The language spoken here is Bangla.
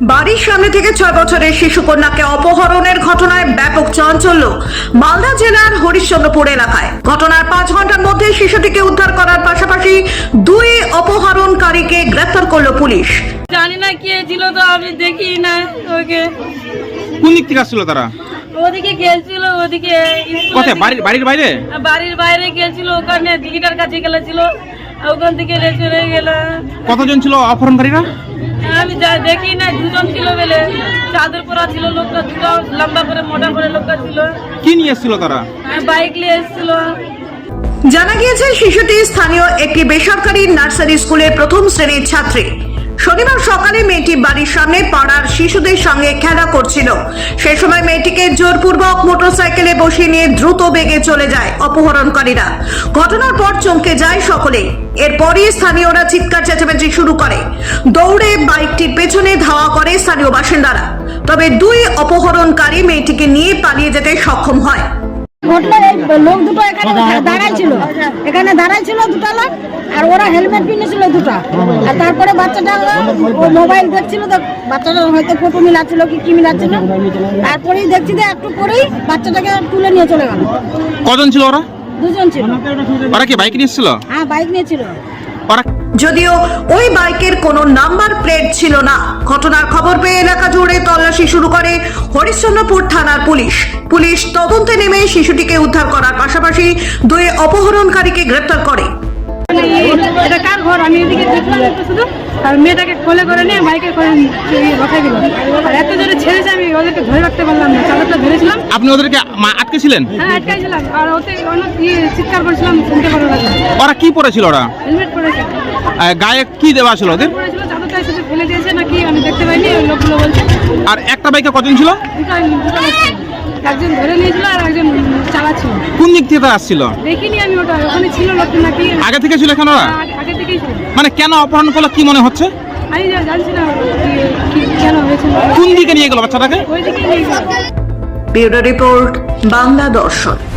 বাড়ির সামনে থেকে 6 বছরের শিশু কন্যাকে অপহরণের ঘটনায় ব্যাপক চাঞ্চল্য মালদা জেলার হরিশ্চন্দ্রপুর এলাকায়। ঘটনার 5 ঘন্টার মধ্যে শিশুটিকে উদ্ধার করার পাশাপাশি 2 অপহরণকারীকে গ্রেফতার করল পুলিশ। জানি না কে ছিল, তো আমি দেখি না ওকে। কোন দিক থেকে আসছিল তারা? ওদিকে গেছিল, ওদিকে কোথায়? বাড়ির বাইরে? বাড়ির বাইরে গেছিল, ওখানে দিঘিটার কাছে গেছিল, ওখান থেকে চলে গেল। কতজন ছিল অপহরণকারীরা? আমি দেখি না, 2 জন ছিল বলে। চাদর পরা ছিল লোকটা, 2টা লম্বা করে মোটা করে লোকটা ছিল। কি নিয়ে এসেছিল তারা? বাইক নিয়ে এসেছিল। জানা গিয়েছে শিশুটি স্থানীয় একটি বেসরকারি নার্সারি স্কুলের 1ম শ্রেণীর ছাত্রী। শনিবার সকালে মেয়েটি বাড়ির সামনে পাড়ার শিশুদের সঙ্গে খেলা করছিল। সেই সময় মেয়েটিকে জোরপূর্বক মোটরসাইকেলে বসিয়ে নিয়ে দ্রুত বেগে চলে যায় অপহরণকারীরা। ঘটনার পর চমকে যায় সকলে। এরপরই স্থানীয়রা চিৎকার চেঁচামেচি শুরু করে। দৌড়ে বাইকটির পেছনে ধাওয়া করে স্থানীয় বাসিন্দারা। তবে 2 অপহরণকারী মেয়েটিকে নিয়ে পালিয়ে যেতে সক্ষম হয়। লোক দুটো এখানে দাঁড়াইছিল 2টা লোক, আর ওরা হেলমেট পিনেছিল 2টা। আর তারপরে বাচ্চাটা ও মোবাইল দেখছিল, তো বাচ্চাটা হয়তো ফটো মিলাচ্ছিল কি মিলাচ্ছিল। তারপরেই দেখছি যে একটু পরেই বাচ্চাটাকে তুলে নিয়ে চলে গেল। কজন ছিল ওরা? 2 জন ছিল। ওরা কি বাইক নিয়ে এসেছিল? হ্যাঁ, বাইক নিয়েছিল। ওরা যদিও ওই বাইকের কোনো নাম্বার প্লেট ছিল না। ঘটনার খবর পেয়ে এলাকা জুড়ে তল্লাশি শুরু করে হরিশ্চন্দ্রপুর থানার পুলিশ তদন্তে নেমে শিশুটিকে উদ্ধার করার পাশাপাশি 2 অপহরণকারীকে গ্রেফতার করে। এটা কার ঘর? আমি এদিকে দেখলাম একটু শুধু, আর মেয়েটাকে কোলে করে নিয়ে বাইকে করে রখাই দিল। আর এত জোরে ছেড়েছে, আমি ওদেরকে ধরে রাখতে পারলাম না। চাদরটা ধরেছিলাম। আপনি ওদেরকে আটকে ছিলেন? হ্যাঁ, আটকাইছিলাম। আর ওতে অনেক চিৎকার করছিলাম, শুনতে পারো না। ওরা কি পরেছিল? ওরা হেলমেট পরেছে। গায়ে কি দেওয়া ছিল ওদের? পরেছিল, চাদরটা এসে ফেলে দিয়েছে নাকি আমি দেখতে পাইনি, ওই লোকগুলো বলছে। আর একটা বাইকে কজন ছিল? দুটো লোক ছিল। একজন ধরে নিয়েছিল আর একজন চালাচ্ছিল। কোন দিক থেকে তারা আসছিল? দেখিনি আমি, ওটা ওখানে ছিল লোকটা নাকি। আগে থেকে ছিল এখানে ওরা? আগে থেকেই ছিল। মানে কেন অপহরণ করলো কি মনে হচ্ছে? আমি জানছি না কেন হয়েছিল। কোন দিকে নিয়ে গেল বাচ্চাটাকে? ওই দিকে নিয়ে গেল। ব্যুরো রিপোর্ট, বাংলা দর্শন।